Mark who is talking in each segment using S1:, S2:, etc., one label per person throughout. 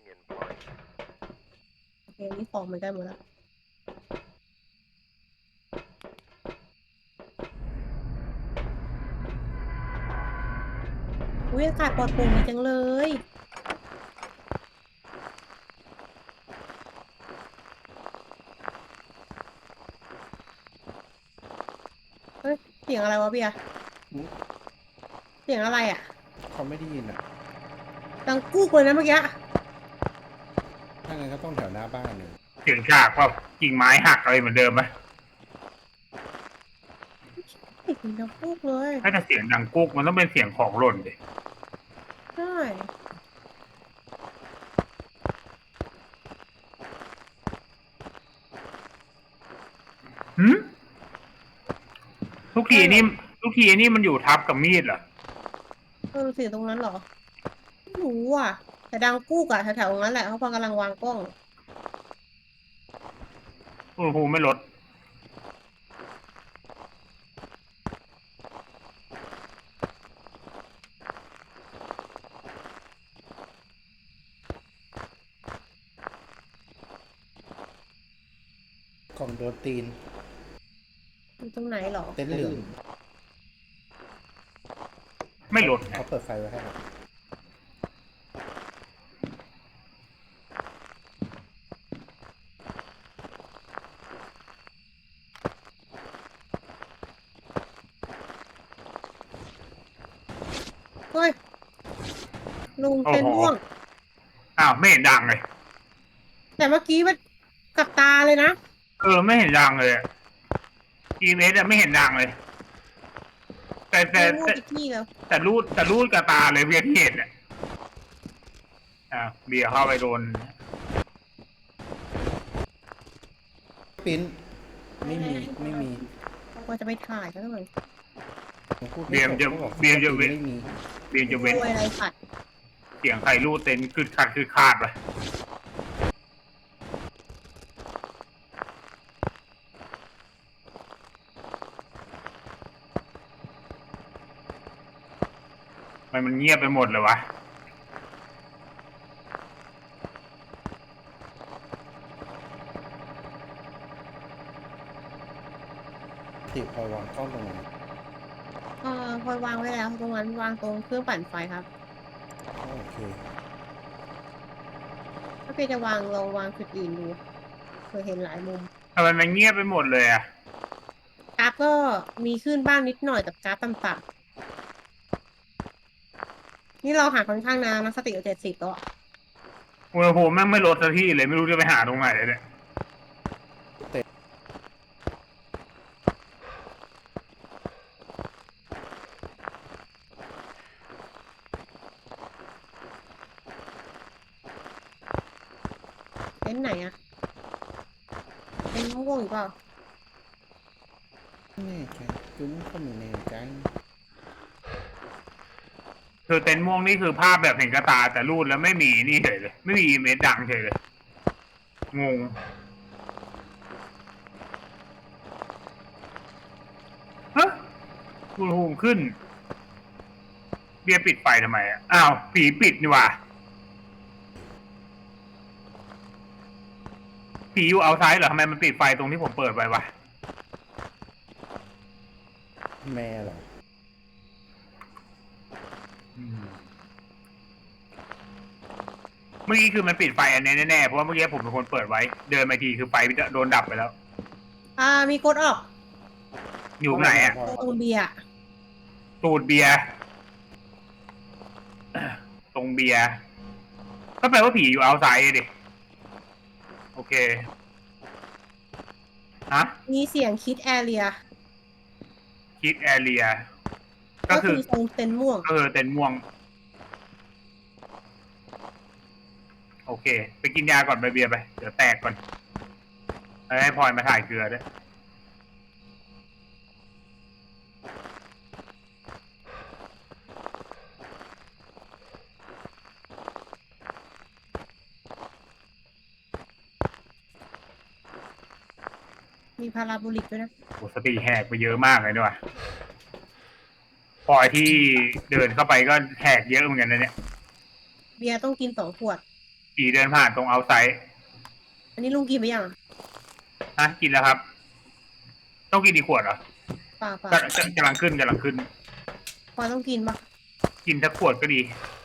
S1: เกมนี้ของมันได้หมดแล้วอุ้ยอากาศปลอดโปร่งดีจังเลยเฮ้ยเสียงอะไรวะเบียร์
S2: อืม
S1: เสียงอะไรอ่ะ
S2: เขาไม่ได้ยินอ่ะ
S1: ดังกู้เลยนะเมื่อกี้
S2: ถ้างั้นก็ต้องแถวหน้าบ้านเลย
S3: เสียงฉากว่ากิ่งไม้หักอะไรเหมือนเดิมไหม
S1: เสียงดังกู้เลย
S3: ถ้าจะเสียงดังกุ๊กมันต้องเป็นเสียงของหล่นดิ
S1: ใช่
S3: หืมทุกทีนี่มันอยู่ทับกับมีดเหรอ
S1: เสียงตรงนั้นเหรอไม่รู้อ่ะแต่ดังกู้อะแถวๆตรงนั้นแหละเขาพอกำลังวางกล้อง
S3: อุณหภูมิไม่ลด
S2: กล่องโดนตีน
S1: อยู่ตรงไหนเหรอ
S2: เต็นท์เหลือง
S3: ไม่ลด
S2: เขาเปิดไฟไว้ให้เรา
S1: เฮ้ยลุง
S3: โอ้
S1: เป็น
S3: โห
S1: ม่วง
S3: อ้าวไม่เห็นดังเลย
S1: แต่เมื่อกี้มันกับตาเลยนะ
S3: ไม่เห็นดังเลยEMSไม่เห็นดังเลยแต่แต่
S1: เป็นม่วง
S3: แต่
S1: อีกที่แล้ว
S3: แต่รูดกับตาเลยเวียที่เห็นเบียร์เข้าไปโดน
S2: ปิ้นไม่มีไม่มี
S1: ว่าจะไปถ่ายก็ต้องเลย
S2: ผมพูดไม่
S3: เบียร์
S2: จบ
S3: จะ
S2: เขาบอก
S3: เบียร์จะ
S2: ปิ้นไม่มี
S3: เบียร์จะเว้น
S1: โวยอะไรผัด
S3: เสียงใครรูดเต็นคือขาดไปมันเงียบไปหมดเลยวะ
S2: ติดพอวางกล้องตรงนั้น
S1: พลอยวางไว้แล้วตรงนั้นวางตรงเครื่องปั่นไฟครับ
S2: โอเค
S1: ถ้าเพียจะวางลองวางจุดอื่นดูเคยเห็นหลายมุม
S3: ทำไมมันเงียบไปหมดเลย
S1: กราฟก็มีขึ้นบ้างนิดหน่อยแต่กราฟต่ำๆนี่เราหาค่อนข้างนานนะสติเรา70แล้วอะ
S3: อุณหภูมิแม่งไม่ลดสักทีเลยไม่รู้จะไปหาตรงไหนเลยเนี่ย
S1: เต็นท์ไหนอะเต็นท์ม่วงอยู่เปล่า
S2: แน่ใจจุ้มก็ไม่แน่ใจ
S3: คือเต็นท์ม่วงนี่คือภาพแบบเห็นกระตาแต่รูดแล้วไม่มีนี่เฉยเลยไม่มีเมสดังเฉยเลยงงฮะอุณหภูมิขึ้นเบียร์ปิดไฟทำไมอ้าวผีปิดนี่หว่าผีอยู่เอาไซด์เหรอทำไมมันปิดไฟตรงที่ผมเปิดไว้วะ
S2: แม่เหรอ
S3: เมื่อกี้คือมันปิดไฟอันนี้แน่ๆเพราะว่าเมื่อกี้ผมเป็นคนเปิดไว้เดินมาทีคือไฟโดนดับไปแล้ว
S1: มีกดออก
S3: อยู่ไหน
S1: ตรงเบียร์
S3: ตูดเบียร์ตรงเบียร์ก็แปลว่าผีอยู่เอาไซด์ดิโอเคฮะ
S1: มีเสียงคิดแอเรีย
S3: คิดแอเรียก็
S1: ก็
S3: คื
S1: คือตรงเต็นท์ม่วง
S3: เต็นม่วงโอเคไปกินยาก่อนไปเบียร์ไปเดี๋ยวแตกก่อนให้พลอยมาถ่ายเกลือด้วย
S1: มีพาราโบลิกด้วยนะ
S3: โอ้สติแหกไปเยอะมากเลยด้วยพลอยที่เดินเข้าไปก็แหกเยอะเหมือนกันนะเนี่ย
S1: เบียร์ต้องกิน2 ขวด
S3: ผีเดินผ่านตรงเอาไซด์
S1: อันนี้ลุงกินไปยัง
S3: ฮะกินแล้วครับ ต้องกินอีกขวดเหรอ
S1: ป่าป่า
S3: กำลังขึ้นกำลังขึ้น
S1: พอต้องกินปะ
S3: กินสักขวดก็ดี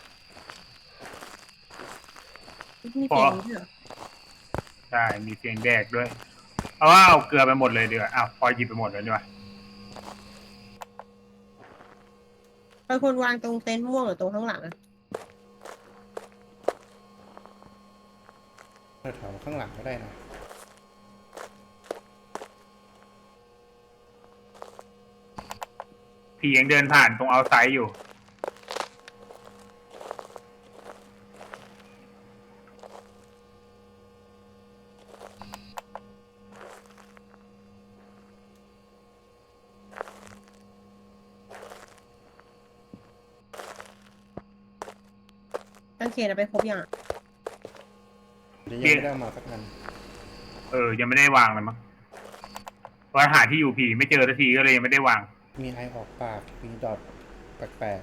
S1: มีเสียงนี้เหรอ
S3: ใช่มีเสียงแดกด้วยเอาว่าเอาเกลือไปหมดเลยดีกว่าอ้าวพอหยิบไปหมดเลยดีกว่า
S1: ไปควรวางตรงเต็นท์ม่วงหรือตรงข้างหลังอะ
S2: แถวๆข้างหลังก็ได้นะ
S3: ผียังเดินผ่านตรงเอาไซด์อยู่
S1: กางเขนเอาไปครบยังอะ
S2: เดี๋ยวยังไม่ได้เอามาสักนัน
S3: ยังไม่ได้วางเลยมั้งเพราะหาที่อยู่ผีไม่เจอสักทีก็เลยยังไม่ได้วาง
S2: มีไอออกปากมีดอทแปลก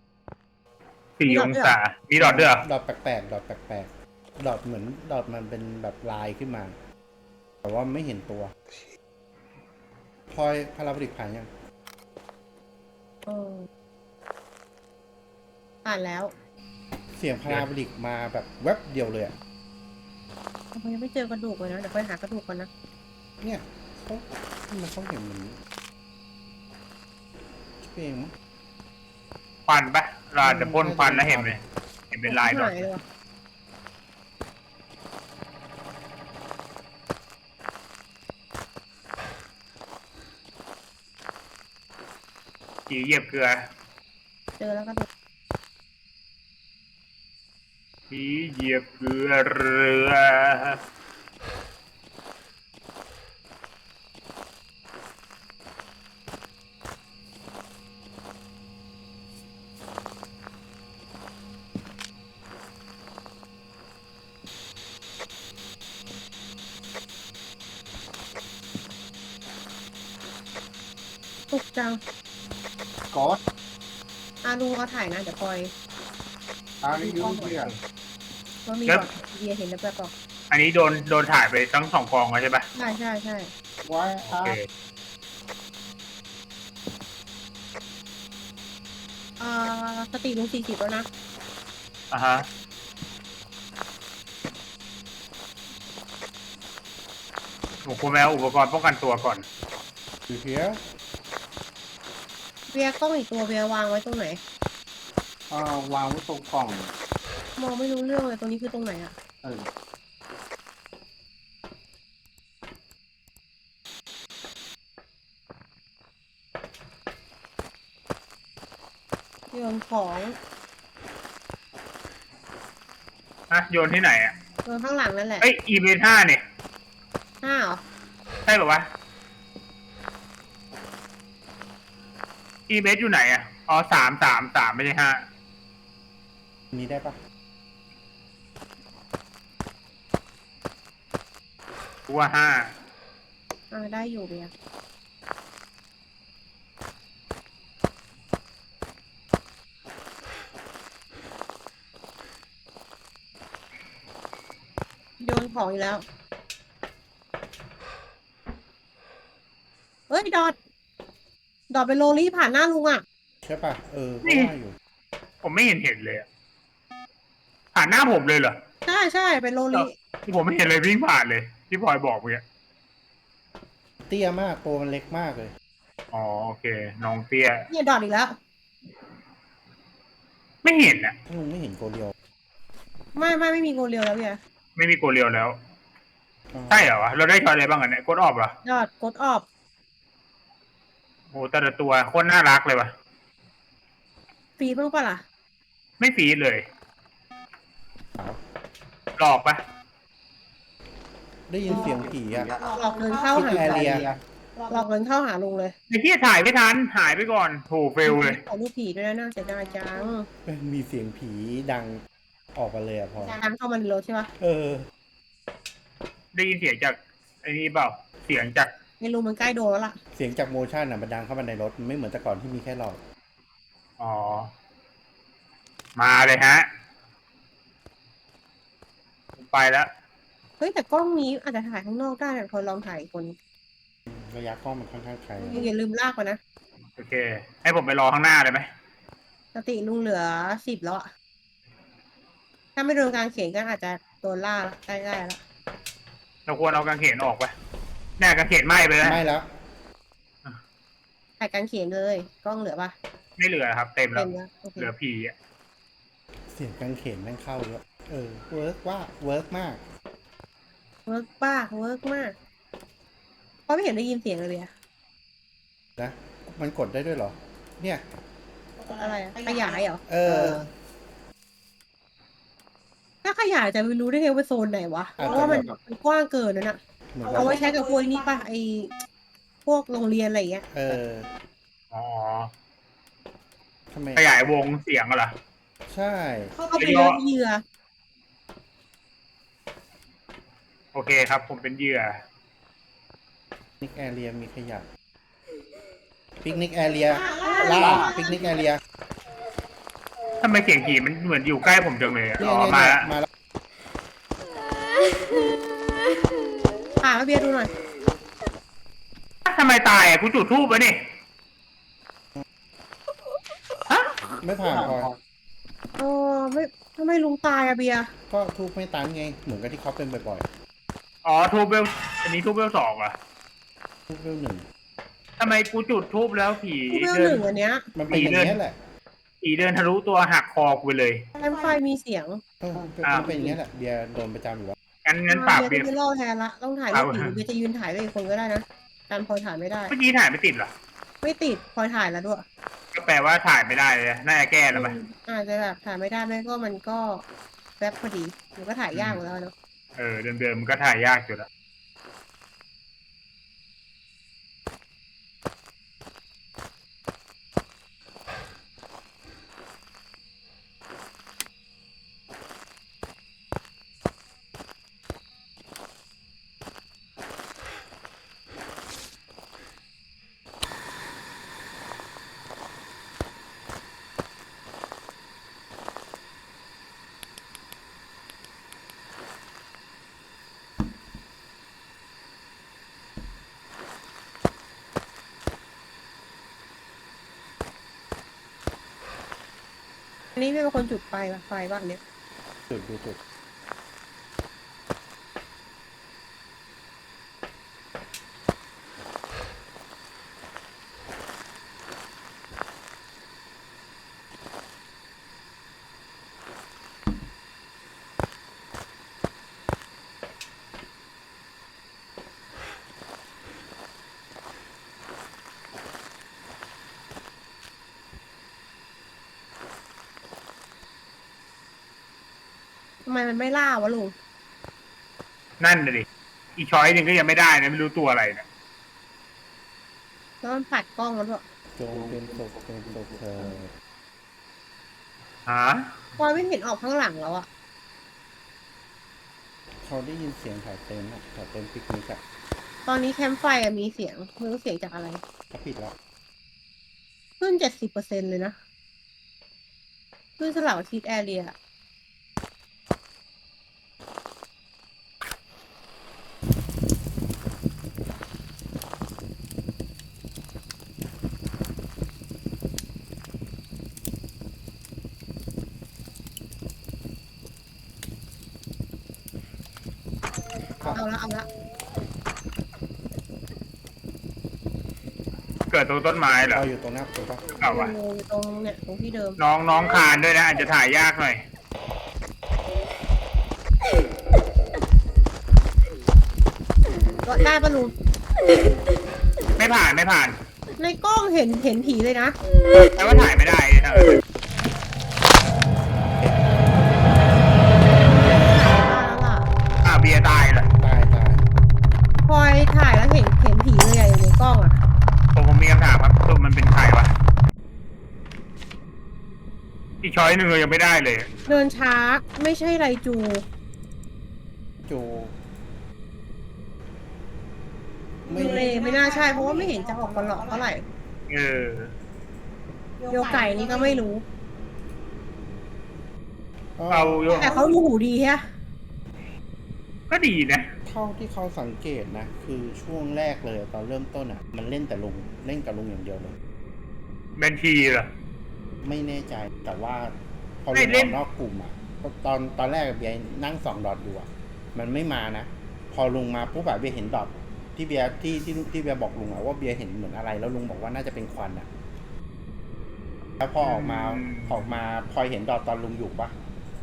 S3: 4 องศามีดอทด้วยเหรอ
S2: ดอทแปลกๆดอทแปลกๆดอทเหมือนดอทมันเป็นแบบลายขึ้นมา แต่ว่าไม่เห็นตัวพลอยพาราบริกผ่านยัง
S1: เอออ่านแล้ว
S2: เสียงพาราบริกมาแบบแว็บเดียวเลยอะ
S1: ทำไมยังไม่เจอกระดูกเลยนะเดี๋ยวไปหากระดูกก่อนนะ
S2: เนี่ยเขามันเขาเห็นเหมือนคิดเองมั้ง
S3: ควันปะเราอาจจะพ่นควันแล้วเห็นไหมเห็นเป็นลายดอท
S1: หเลยวะ
S3: ผีเหยียบเกลือ
S1: เจอแล้วกระดูก
S3: ผีเหยียบเกลือเรือ
S1: ตุกจัง
S4: ก๊อต
S1: ลุงเอาถ่ายนะเดี๋ยวปล่อย
S4: อาริยูเรียน
S1: ว่ามีก่อนเบียร์เห็นแล้วแบบบอก
S3: อันนี้โดนถ่ายไปทั้ง2 กองแล้วใช่ปะ
S1: ใช่ใช่ใช่
S4: ไว้
S3: โอ
S4: อา
S3: เค
S1: สติลุง40แล้วนะ
S3: อ่ะฮะผมควรไปเอาอุปกรณ์ป้องกันตัวก่อน
S2: อยู่เพีย
S1: เบียร์กล้องอีกตัวเบียร์วางไว้ตรงไหน
S4: วางไว้ตรงกล่อง
S1: มองไม่รู้เรื่องเลยตรงนี้คือตรงไหนอะ
S4: เออ
S1: โยนของ
S3: โยนที่ไหนอ่ะ
S1: โยนข้างหลังนั่นแหละ
S3: เอ้ยอีเวนต์5เนี่ย
S1: 5เหรอ
S3: ใช่ป่าววะอีเวนต์อยู่ไหนอ่ะอ๋อ3 ไม่ใช่5
S2: นี้ได้ปะ
S3: กูว่า
S1: ได้อยู่เบียร์โยนของอยู่แล้ว เฮ้ย ดอทไปโรลี่ผ่านหน้าลุงอ่ะ
S2: ใช่ปะก็ว่าอยู่
S3: ผมไม่เห็นเลยอะผ่านหน้าผมเลยเหรอ
S1: ใช่ใช่เป็นโรลี่
S3: ที่ผมไม่เห็นเลยวิ่งผ่านเลย ที่พลอยบอกเมื่อกี้
S2: เตี้ยมากตัวมันเล็กมากเลย
S3: อ๋อโอเคน้องเตี้ย
S1: เนี่ยดอทอีกแล้ว
S3: ไม่เห็นอ่ะ
S2: ถ้าลุงไม่เห็นโกเรียว
S1: ไม่มีโกเรียวแล้วเบียร์
S3: ไม่มีโกเรียวแล้ว ใช่เหรอวะเราได้ช้อยอะไรบ้างอันเนี่ยกดออกเหรอ
S1: ดอทกดออฟ
S3: โอ้แต่ละตัวโคตรน่ารักเลยวะ
S1: ฟรีบ้างปะล่ะ
S3: ไม่ฟีดเลย
S2: ขาว
S3: หลอกปะ
S2: ได้ยินเสียงผีอะ
S1: หลอกเงินเข้า
S2: ที่
S1: หา
S2: แอเรีย
S1: หลอกเงินเข้าหาลุงเลย
S3: ไอ้เหี้ยถ่ายไม่ทันหายไปก่อนโหเฟลเลย
S1: ขอรูปผีด้วยนะน่าเสียดายจัง
S2: มีเสียงผีดังออกมาเลยอะพอ
S1: ดังเข้ามาในรถใช่ปะ
S3: ได้ยินเสียงจากไอ้นี่เปล่า เสียงจาก
S1: ไม่รู้มันใกล้โดนแล้วล่ะ
S2: เสียงจากโมชั่นอะมันดังเข้ามาในรถมันไม่เหมือนแต่ก่อนที่มีแค่หลอด
S3: อ๋อ มาเลยฮะไปแล้ว
S1: เฮ้ยแต่กล้องนี้อาจจะถ่ายข้างนอกได้แต่พอลองถ่ายคน
S2: ระยะกล้องมันค่อนข้างไกล
S1: อย่าลืมลากมานะ
S3: โอเค ให้ผมไปรอข้างหน้าเลยไหม
S1: สติลุงเหลือ10แล้วอะถ้าไม่โดนกางเขนก็อาจจะโดนล่าละได้ละ
S3: เราควรเอากางเขนออกไปแน่กางเขนไหม้ไปแล้ว
S2: ไม่แล้ว
S1: ถ่ายกางเขนเลยกล้องเหลือปะ
S3: ไม่เหลือครับ เต็มแล้
S1: เต็
S3: ว
S1: มแล้วโอเค
S3: เหลือผีอ่ะ
S2: เสียงกางเขนแม่งเข้าเยอะเวิร์กว่าเวิร์กมาก
S1: เวิร์กป้าเวิร์กมากเพราะไม่เห็นได้ยินเสียงเลยอะ
S2: นะ มันกดได้ด้วยเหรอ เนี่ย
S1: อะไรอะขยายเหรอ ถ้าขยายจะไม่รู้ได้ไงว่าโซนไหนวะ
S2: อาจจะ
S1: เพราะว่ามันกว้างเกินนั่นอะ
S2: เหมือน
S1: เอาไว้ใช้กับพวกนี้ป่ะพวกโรงเรียนอะไรอย่างเงี้ย
S3: อ๋อ
S2: ทำไม
S3: ขยายวงเสียงเหรอ
S2: ใช่
S1: เข้าไปเลือกเหยื่อ
S3: โอเคครับ ผมเป็นเหยื่อ
S2: ปิกนิกแอเรียมีขยะปิกนิกแอเรียล่าปิกนิกแอเรีย
S3: ทำไมเสียงผีมันเหมือนอยู่ใกล้ผมจังเลยอะ
S2: เนี่ย
S3: อ๋อ
S2: เนี่ย
S3: มา
S2: เนี่ย
S3: แล้ว
S2: มาแล้ว
S1: ถ่ายมาเบียร์ดูหน่อย
S3: ทำไมตายอ่ะกูจุดธูปไว้นี่ฮะ
S2: ไม่ผ่านพลอย
S1: ไม่ทำไมลุงตายอะเบียร์
S2: ก็ทูบไม่ตันไง เหมือนกับที่เขาเป็นบ่อย
S3: อ๋อทูบเวลอันนี้ทูบเวล2อ่ะ
S2: ๆทูบเวลหนึ่ง
S3: ทำไมกูจุดทูบแล้วผี
S1: ทูเวล
S3: เดิ
S1: หนึ่งอันเนี้ย
S2: มันเป็นอย่างนี้ยแหละ
S3: ผีเดินทะลุตัวหักคอกูไปเลย
S1: แคมป์ไฟมีเสียง
S2: มันเป็นอย่างนี้ยแหละเบียร์โดนประจำอยู่แล้ว
S3: งั้นปราบ
S1: เบี
S3: เบี
S1: ย
S3: ย
S1: ร์
S3: ร์
S1: จะไม่ล่อแทนละต้องถ่ายรูปผีเบียร์จะยืนถ่ายด้วยอีกคนก็ได้นะการพลอยถ่ายไม่ได้
S3: เมื่อกี้ถ่ายไม่ติดเหรอ
S1: ไม่ติดพลอยถ่ายแล้วด้วย
S3: ก็แปลว่าถ่ายไม่ได้เลยน่าจะแก้แล้วไหม
S1: อาจจะแบบถ่ายไม่ได้ไม่ก็มันก็แป๊บพอดีมันก็ถ่ายยากอยู่แล้วเนาะ
S3: เดิมๆมันก็ถ่ายยากอยู่แล้ว
S1: อันนี้ไม่เป็นคนจุดไฟบ้างเนี่ย
S2: จุดดูจุด
S1: ทำไมมันไม่ล่าวะลุง
S3: นั่นน่ะดิอีช้อยหนึ่งก็ยังไม่ได้นะไม่รู้ตัวอะไรเนี่ย
S1: แล้วมันปัดกล้องมันด้วย
S2: จงเป็นศพเธอ
S3: ฮะ
S1: พลอยไม่เห็นออกข้างหลังแล้วอะ
S2: เขาได้ยินเสียงถ่ายเต็นท์อะถ่ายเต็นท์ปิกนิกอะ
S1: ตอนนี้แคมป์ไฟอะมีเสียงไม่รู้เสียงจากอะไร
S2: เขาปิดแล้ว
S1: ขึ้น70%เลยนะขึ้นสลับคิดแอเรีย เอาละ
S3: เกิดตรงต้นไม้เหรอ
S2: เราอยู่ตรงหน้าตัวปะ
S3: เอาวะ
S1: อยู่ตรงเนี่ยตรงที่เดิม
S3: น้องคานด้วยนะอาจจะถ่ายยากหน่อย
S1: ก็ได้ปะลุง
S3: ไม่ผ่าน
S1: ในกล้องเห็นผีเลยนะ
S3: แต่ว่าถ่ายไม่ได้นะ เบียร์ตายเหรอ
S2: ตาย
S1: พลอยถ่ายแล้วเห็นผีเลยอะอยู่ในกล้องอะ
S3: ผมมีคำถามครับตัวมันเป็นใครวะอีช้อยหนึ่งเรายังไม่ได้เลย
S1: เดินช้าไม่ใช่ไรจู
S2: จู
S1: ยูเลไม่น่าใช่เพราะว่าไม่เห็นจะออกมาหลอกเท่าไหร่
S3: เออ
S1: โยไก่นี่ก็ไม่รู้
S3: เอาโย
S1: แต่เขาดูหูดีฮะ
S3: ก็ดีนะ
S2: เท่าที่เขาสังเกตนะ คือช่วงแรกเลยตอนเริ่มต้นอ่ะ มันเล่นแต่ลุงเล่นกับลุงอย่างเดียวเลย
S3: บัญชีเหรอ
S2: ไม่แน่ใจแต่ว่าพอ
S3: ไม่
S2: ลุง
S3: เล่
S2: อน อกนอกกลุ่มอ่ะตอนแรกเบียร์นั่ง2 ดอทอยู่อ่ะ มันไม่มานะ พอลุงมาปุ๊บแบบเบียร์เห็นดอทที่เบียร์ที่เบียร์บอกลุงอ่ะว่าเบียร์เห็นเหมือนอะไรแล้วลุงบอกว่าน่าจะเป็นควันอ่ะแล้วพอออกมาพลอยเห็นดอทตอนลุงอยู่ปะ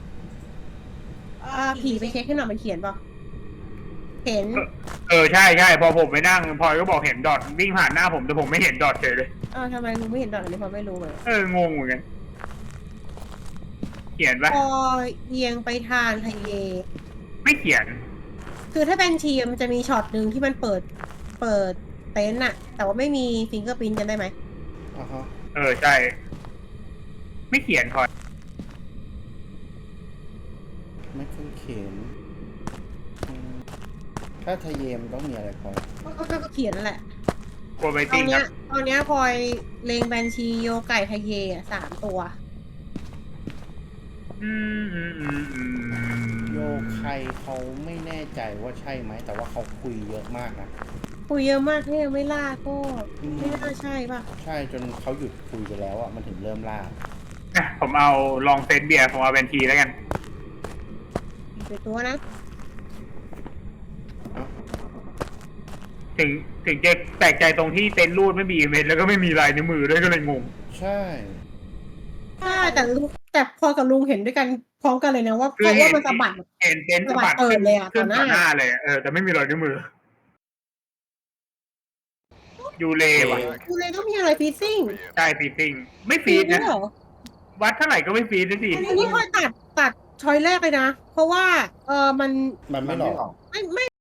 S1: ผีไปเช็คให้หน่อยมันเขียนป่ะเห็น
S3: ใช่ใช่พอผมไปนั่งพลอยก็บอกเห็นดอทวิ่งผ่านหน้าผมแต่ผมไม่เห็นดอทเฉยเลย
S1: ทำไมลุงไม่เห็นดอกอันนี้พอไม่รู้เลย
S3: งงเหมือนกันเขียนปะ
S1: พอเอียงไปทางไฮเวย์
S3: ไม่เขียน
S1: คือถ้าเป็นทีมันจะมีช็อตหนึ่งที่มันเปิดเต็นท์อะแต่ว่าไม่มีฟิงเกอร์พิ้นกันได้ไหม
S2: อ่าฮะ
S3: ใช่ ไม่เขียนพลอย
S2: ไม่เคยเขียนถ้าทะเยมต้องมีอะไรพอ
S1: ก็เขียนนั่นแหละ
S3: กลัวไป
S1: ตอ
S3: ติ้
S1: น
S3: งค
S1: เนี้
S3: รั
S1: ย
S3: บ
S1: ตอนเนี้ยพลอยเลงแบนชีโยไก่ไทเยอะ3 ตัว
S2: โยใครเขาไม่แน่ใจว่าใช่ไหมแต่ว่าเขาคุยเยอะมากนะ
S1: คุยเยอะมากถ้ายังไม่ล่าก็ไม่น่าใช่ป่ะ
S2: ใช่จนเขาหยุดคุยไปแล้วอ่ะมันถึงเริ่มล่า
S3: ผมเอาลองเซตเบียร์ผมเอาบัญชีแล้วกัน
S1: ไปตัวนะ
S3: ถึงจะแปลกใจตรงที่เต็นท์รูดไม่มีเมนแล้วก็ไม่มีลายนิ้วมือด้วยก็เลยงง
S2: ใช่
S1: ใช่แต่พอกับลุงเห็นด้วยกันพร้อมกันเลยนะว่าเพ
S3: คือ
S1: ราะ
S3: เห็
S1: ว่าน มันสะบัด
S3: เห็นเต็นท์สะบัด
S1: เปิดเลยอะ
S3: ขึ้น
S1: ต่
S3: ต่
S1: อ
S3: อ
S1: ห
S3: ห
S1: น้า
S3: น้าเลยแต่ไม่มีรอยนิ้วมือยูเลว่ะ
S1: ดูเลยต้องมีอะไรฟีซิ่ง
S3: ใช่ฟีซิ่งไม่ฟีด
S1: ด้ว
S3: นะ
S1: ยเหรอ
S3: วัดเท่าไหร่ก็ไม่ฟีดนะสิ
S1: อันนี้พลอยตัดช้อยแรกเลยนะ เพราะว่ามัน
S2: มันไม่หลอก
S1: ไม่